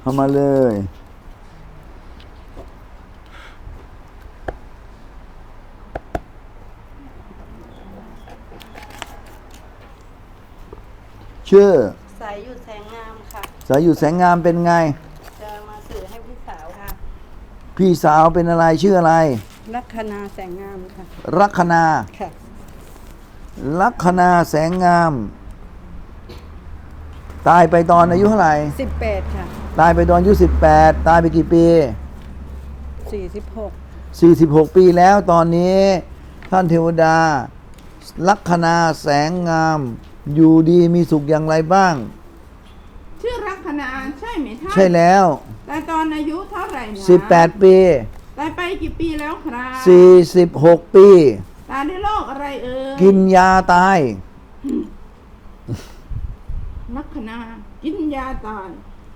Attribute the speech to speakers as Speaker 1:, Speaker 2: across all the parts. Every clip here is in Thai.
Speaker 1: ามาเลยชื่อ
Speaker 2: สายหยุดแสงงามค่ะ
Speaker 1: สายอยู่แสงงามเป็นไง
Speaker 2: จะมาสื่อให้พี่สาวค่ะ
Speaker 1: พี่สาวเป็นอะไรชื่ออะไร
Speaker 2: ลัคนาแสงงามค่ะ
Speaker 1: ลัคนา
Speaker 2: ค่ะ
Speaker 1: ลัคนาแสงงาม ตายไปตอนอายุเท่าไหร่
Speaker 2: 18ค่ะ
Speaker 1: ตายไปตอนอายุ18ตายไปกี่ปี
Speaker 2: 46
Speaker 1: 46 ปีแล้วตอนนี้ท่านเทวดา ลัคนาแสงงาม อยู่ดีมีสุขอย่างไรบ้าง
Speaker 3: ชื่อลัคนาใช่ไหมท่าน
Speaker 1: ใช่แล้ว
Speaker 3: แต่ตอนอายุเท่าไหร่นะ
Speaker 1: 18 ปี
Speaker 3: ตายไปกี่ปีแล้วครับ
Speaker 1: 46 ปี
Speaker 3: ตายด้วยโรคอะไรเอ่ย
Speaker 1: กินยาตาย
Speaker 3: ลัคนากินยาตาย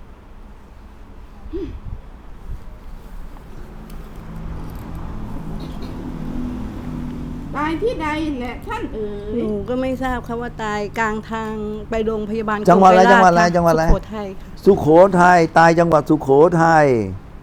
Speaker 3: ตายที่ใดแหละท่านเอ๋ย
Speaker 2: หนูก็ไม่ทราบค่ะว่าตายกลางทางไปโรงพยาบาล
Speaker 1: จังหวัดอะไร
Speaker 2: โคราช
Speaker 1: จังหวัดอะไร
Speaker 2: ค่ะสุโขทัยค่ะ
Speaker 1: สุโขทัยตายจังหวัดสุโขทัย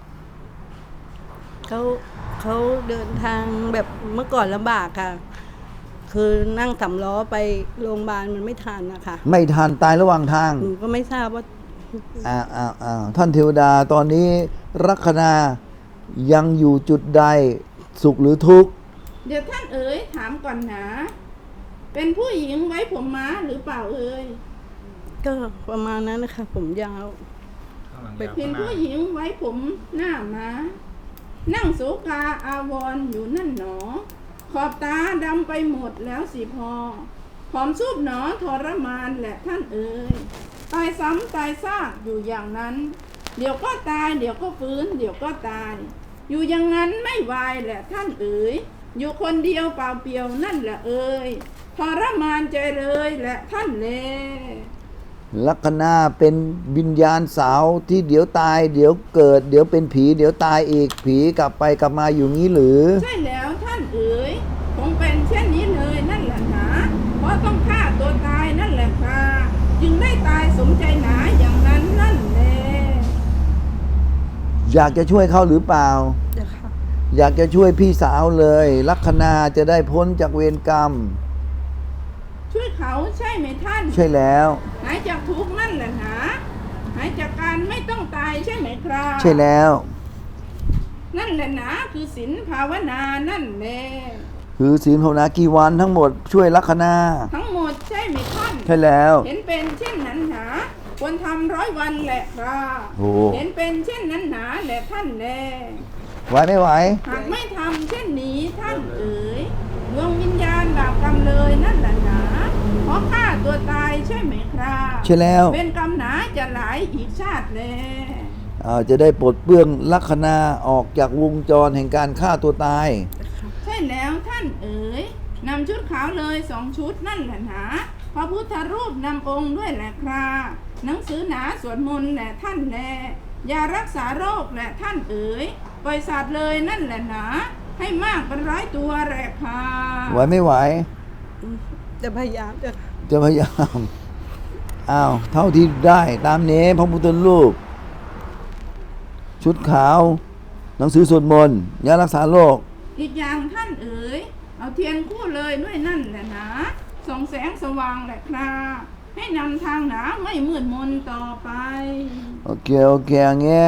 Speaker 2: เขาเดินทางแบบเมื่อก่อนลำบากค่ะ คือนั่งสำล้อไปโรงพยาบาลมันไม่ทันนะคะ
Speaker 1: ไม่ทันตายระหว่างทาง
Speaker 2: หนูก็ไม่ทราบว่า
Speaker 1: ท่านเทวดาตอนนี้ลัคนายังอยู่จุดใดสุขหรือทุกข์
Speaker 3: เดี๋ยวท่านเอ๋ยถามก่อนนะเป็นผู้หญิงไว้ผมม้าหรือเปล่าเอ๋ย
Speaker 2: ก็ประมาณนั้นนะคะ ผมยาว
Speaker 3: เป็นผู้หญิงไว้ผมหน้าม้านั่งโศกาอาวรณ์อยู่นั่นหนอ ขอบตาดำไปหมดแล้วสิพอผอมซูบหนอทรมานแหละท่านเอ๋ยตายซ้ำตายซากอยู่อย่างนั้น เดี๋ยวก็ตายเดี๋ยวก็ฟื้นเดี๋ยวก็ตาย อยู่อย่างนั้นไม่วายแหละท่านเอ๋ยอยู่คนเดียวเปล่าเปลี่ยวนั่นแหละเอ๋ยทรมานใจเลยแหละท่านแล
Speaker 1: ลัคนาเป็นวิญญาณสาวที่เดี๋ยวตาย เดี๋ยวเกิด เดี๋ยวเป็นผี เดี๋ยวตายอีกผีกลับไปกลับมาอยู่งี้หรือ
Speaker 3: ใช่แล้วท่านเอ๋ยคงเป็นเช่นนี้เลยนั่นแหละหนาเพราะต้องฆ่าตัวตายนั่นแหละค่ะจึงได้ตายสมใจหนาอย่างนั้นนั่นแหละ
Speaker 1: อยากจะช่วยเขาหรือเปล่า อยากจะช่วยพี่สาวเลย ลัคนาจะได้พ้นจากเวรกรรม
Speaker 3: ช่วยเขาใช่ไหมท่าน
Speaker 1: ใช่แล้ว
Speaker 3: หายจากทุกข์นั่นแหละหนาหายจากการไม่ต้องตายใช่ไหมครับ
Speaker 1: ใช่แล้ว
Speaker 3: นั่นแหละหนาคือศีลภาวนานั่นแหละ
Speaker 1: คือศีลภาวนากี่วันทั้งหมดช่วยลัคนา
Speaker 3: ทั้งหมดใช่ไหมท่าน
Speaker 1: ใช่แล้ว
Speaker 3: เห็นเป็นเช่นนั้นหนาควรทำ100 วันแหละครับ
Speaker 1: โอ้
Speaker 3: เห็นเป็นเช่นนั้นหนาแหละท่านแล
Speaker 1: ไหวไม่ไหว
Speaker 3: หากไม่ทำเช่นนี้ท่านเอ๋ยดวงวิญญาณบาปกรรมเลยนั่นแหละหนาเพราะฆ่าตัวตายใช่ไหมครับ
Speaker 1: ใช่แล้ว
Speaker 3: เป็นกรรมหนาจะหลายอีกชาติแล
Speaker 1: จะได้ปลดเปลื้องลัคนาออกจากวงจรแห่งการฆ่าตัวตาย
Speaker 3: ใช่แล้วท่านเอ๋ยนำชุดขาวเลย2 ชุดนั่นแหละหนาพระพุทธรูปนำองค์ด้วยแหละครับหนังสือหนาสวดมนต์แหละท่านแลยารักษาโรคแหละท่านเอ๋ยปล่อยสัตว์เลยนั่นแหละหนาให้มากเป็น100 ตัวแหละค่ะ
Speaker 1: ไหวไม่ไหว
Speaker 2: จะพยายามจะ
Speaker 1: จะพยายามเท่าที่ได้ตามนี้พระพุทธรูปชุดขาว หนังสือสวดมนต์ยารักษาโรค
Speaker 3: อีกอย่างท่านเอ๋ยเอาเทียนคู่เลยด้วยนั่นแหละนะส่องแสงสว่างแหละครับให้นำทางหนาไม่มืดมนต่อไป
Speaker 1: โอเคอย่างเงี้ย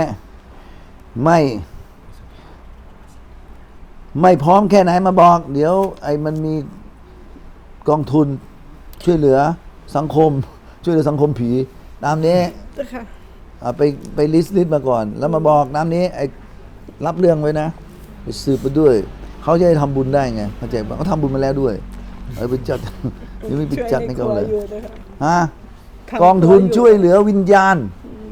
Speaker 1: ไม่พร้อมแค่ไหนมาบอก เดี๋ยวมันมีกองทุนช่วยเหลือสังคม ช่วยเหลือสังคมผีตามนี้
Speaker 2: ค่ะ
Speaker 1: ไปลิสต์มาก่อน แล้วมาบอกน้ำนี้รับเรื่องไว้นะไปสืบไปด้วย เขาจะได้ทำบุญได้ไงเข้าใจป่ะเขาทำบุญมาแล้วด้วยไปจัด ยังไม่ไปจัดให้เขาเลยฮะกองทุนช่วยเหลือวิญญาณ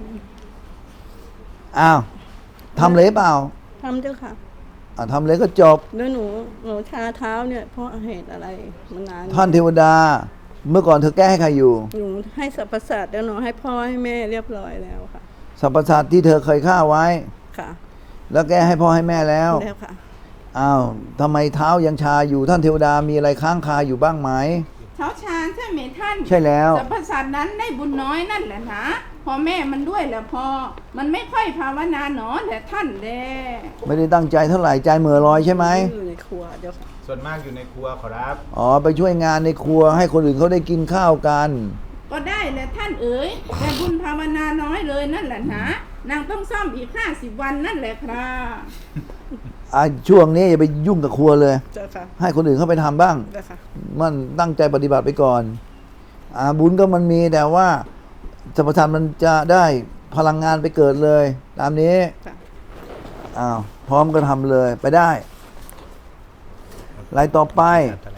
Speaker 1: ทำเลยเปล่า
Speaker 2: ทำเจ้าค่ะ
Speaker 1: ทำเลยก็จบ
Speaker 2: แล้วหนูชาเท้าเนี่ยเพราะเหตุอะไรมานาน
Speaker 1: ท่านเทวดา เมื่อก่อนเธอแก้ให้ใครอยู่
Speaker 2: หนูให้สรรพสัตว์แล้วหนูให้พ่อให้แม่เรียบร้อยแล้วค่ะ
Speaker 1: สรรพสัตว์ที่เธอเคยฆ่าไว้
Speaker 2: ค่ะ
Speaker 1: แล้วแก้ให้พ่อให้แม่แล้ว
Speaker 2: แล้วค่ะ
Speaker 1: ทำไมเท้ายังชาอยู่ท่านเทวดามีอะไรค้างคาอยู่บ้างไหม
Speaker 3: เท้าชาญใช่ไหมท่าน
Speaker 1: ใช่แล้ว
Speaker 3: สรรพสัตว์นั้นได้บุญน้อยนั่นแหละนะพ่อแม่มันด้วยแหละพอมันไม่ค่อยภาวนาหนอแต่ท่านแล
Speaker 1: ไม่ได้ตั้งใจเท่าไหร่ใจเหม่อลอยใช่ไหม
Speaker 2: อยู่ในครัวเดี๋ยวค่ะ
Speaker 4: ส่วนมากอยู่ในครัวขอรับ
Speaker 1: อ๋อไปช่วยงานในครัวให้คนอื่นเขาได้กินข้าวกัน
Speaker 3: ก็ได้แหละท่านเอ๋ยแต่บุญภาวนาน้อยเลยนั่นแหละนะนางต้องซ่อมอีก50 วันนั่นแหละครับ
Speaker 1: ช่วงนี้อย่าไปยุ่งกับครัวเลย
Speaker 2: เจ้าค่ะ
Speaker 1: ให้คนอื่นเขาไปทำบ้าง
Speaker 2: เจ้าค่ะ
Speaker 1: มันตั้งใจปฏิบัติไปก่อนบุญก็มันมีแต่ว่าสัมปทานมันจะได้พลังงานไปเกิดเลย ตามนี้
Speaker 2: จ้ะ
Speaker 1: พร้อมก็ทำเลยไปได้รายต่อไป
Speaker 4: ถ